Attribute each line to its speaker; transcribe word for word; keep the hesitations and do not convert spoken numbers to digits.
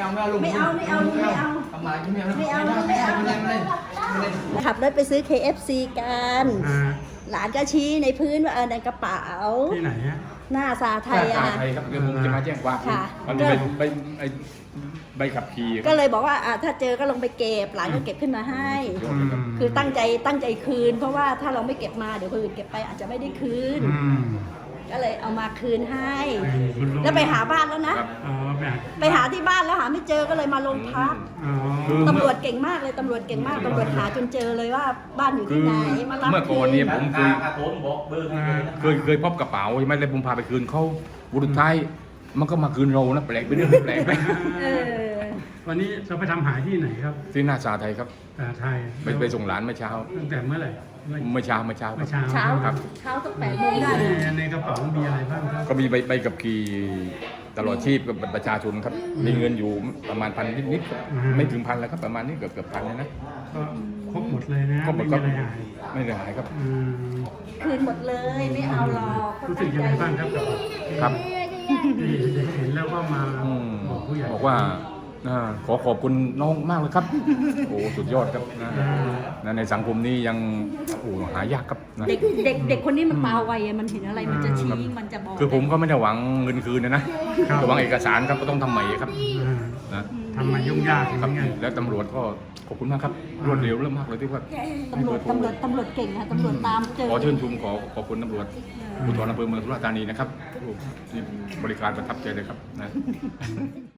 Speaker 1: เอาไม่เอาลุง
Speaker 2: ไม่เอาไม่เอาไม่เอา
Speaker 1: ทำไมไม่เอา
Speaker 2: ไม่เอา
Speaker 1: ไม่
Speaker 2: ไม่
Speaker 1: เอา
Speaker 2: เอา
Speaker 1: ไม่เอาไม่เอาไม่เอา
Speaker 2: ขับรถไปซื้อ เค เอฟ ซี กัน
Speaker 3: อ่า
Speaker 2: หลานก็ชี้ในพื้นว่าเออในกระเป๋า
Speaker 3: ที่ไหนฮะ
Speaker 2: หน้าซาไทย
Speaker 4: ถ้า
Speaker 2: อ่ะ
Speaker 4: ไทยครับเดี๋ยวผมจะมาแจ้งความ
Speaker 2: ค่ะ
Speaker 4: มันมีใบใบไอ้ใบขับขี่ครับ
Speaker 2: ก็เลยบอกว่าอ่ะถ้าเจอก็ลงไปเก็บหลานก็เก็บขึ้นมาให้
Speaker 3: อืม
Speaker 2: คือตั้งใจตั้งใจคืน เพราะว่าถ้าเราไม่เก็บมาเดี๋ยวคนอื่นเก็บไปอาจจะไม่ได้คืน
Speaker 3: อืม
Speaker 2: ก็เลยเอามาคืนให้
Speaker 3: คุณลุง
Speaker 2: แล้วไปหาบ้านแล้วนะ
Speaker 3: อ๋อแบบ
Speaker 2: ไปหาที่บ้านแล้วหาไม่เจอก็เลยมาโรงพัก
Speaker 3: อ๋อ
Speaker 2: ตำรวจเก่งมากเลยตำรวจเก่งมากตำรวจหาจนเจอเลยว่าบ้านอยู่
Speaker 4: คื
Speaker 2: ที่
Speaker 4: อ
Speaker 2: ไหนมารับ
Speaker 4: เมื่อก่อนเนี่ย
Speaker 2: คื
Speaker 4: ผมเคย
Speaker 1: ผมบอกเบอร์
Speaker 4: เคยเคยพบกระเป๋าใช่ไหมแล้วผมพาไปคืนเขาบุรุษไทยมันก็มาคืนเรานะแปลกไปเรื่องแปลกไป
Speaker 2: เออ
Speaker 3: วันนี้เราไปทำหายที่ไหนครับ
Speaker 4: ที่หน้าซาไทยครับ
Speaker 3: อ่าไทย
Speaker 4: ไปไปส่งหลานเมื่อเช้า
Speaker 3: ตั้งแต่เมื่อไหร่เมื่อ
Speaker 4: เมื่อเช้าเมื่อเช้าค
Speaker 3: เมื่
Speaker 4: รั
Speaker 3: อบ เช้า
Speaker 2: เช้า
Speaker 4: ครับ
Speaker 2: เช้าสักแปดโมงได้
Speaker 3: ใน
Speaker 2: เลย
Speaker 3: ในกระเป๋ามีอะไรบ้างครับ
Speaker 4: ก็มีใบใบขับขี่ตลอดชีพกับบัตรประชาชนครับมีเงินอยู่ประมาณพันนิดๆครับไม่ถึงพันแล้วครับประมาณนี้เกือบเกือบพันเลยนะ
Speaker 3: ก็ครบหมดเลยนะ
Speaker 4: ก็หม
Speaker 3: ไม่
Speaker 4: ด
Speaker 3: มี
Speaker 4: ก็
Speaker 3: อะไรหาย
Speaker 4: ไม่ได้หายครับ
Speaker 3: อืม
Speaker 2: คืนหมดเลยไม่เอาหรอก
Speaker 3: รู้สึกยังไงบ้างครับกับ
Speaker 4: ครับ
Speaker 3: ที่เห็นแล้วก็มา
Speaker 4: อืม
Speaker 3: บอกผู้ใหญ่
Speaker 4: บอกว่าอ่าขอขอบคุณน้องมากเลยครับ โอ้สุดยอดครับนะนะในสังคมนี้ยังโอ้หายากครับนะ
Speaker 2: เด็กเด็กเด็กคนนี้มันตาไวอะมันเห็นอะไรมันจะชี้มันจะบอก
Speaker 4: คือผมก็ไม่ได้หวังเงินคืนนะนะแต่หวังเอกสารครับก็ต้องทำใหม่ครับ
Speaker 3: อ่า
Speaker 4: นะ
Speaker 3: ทำมายุ่งยากอย่าง
Speaker 4: ครับ
Speaker 3: นี้ไง
Speaker 4: แล้วตำรวจก็ขอบคุณมากครับรวดเร็วเรื่องมากเลยที่ว่า
Speaker 2: ตำรวจตำรวจตำรวจเก่งอะตำรวจตามเจอ
Speaker 4: ขอเชิญชมขอขอบคุณตำรวจภูธรอำเภอเมืองสุราษฎร์ธานีนะครับที่บริการประทับใจเลยครับนะ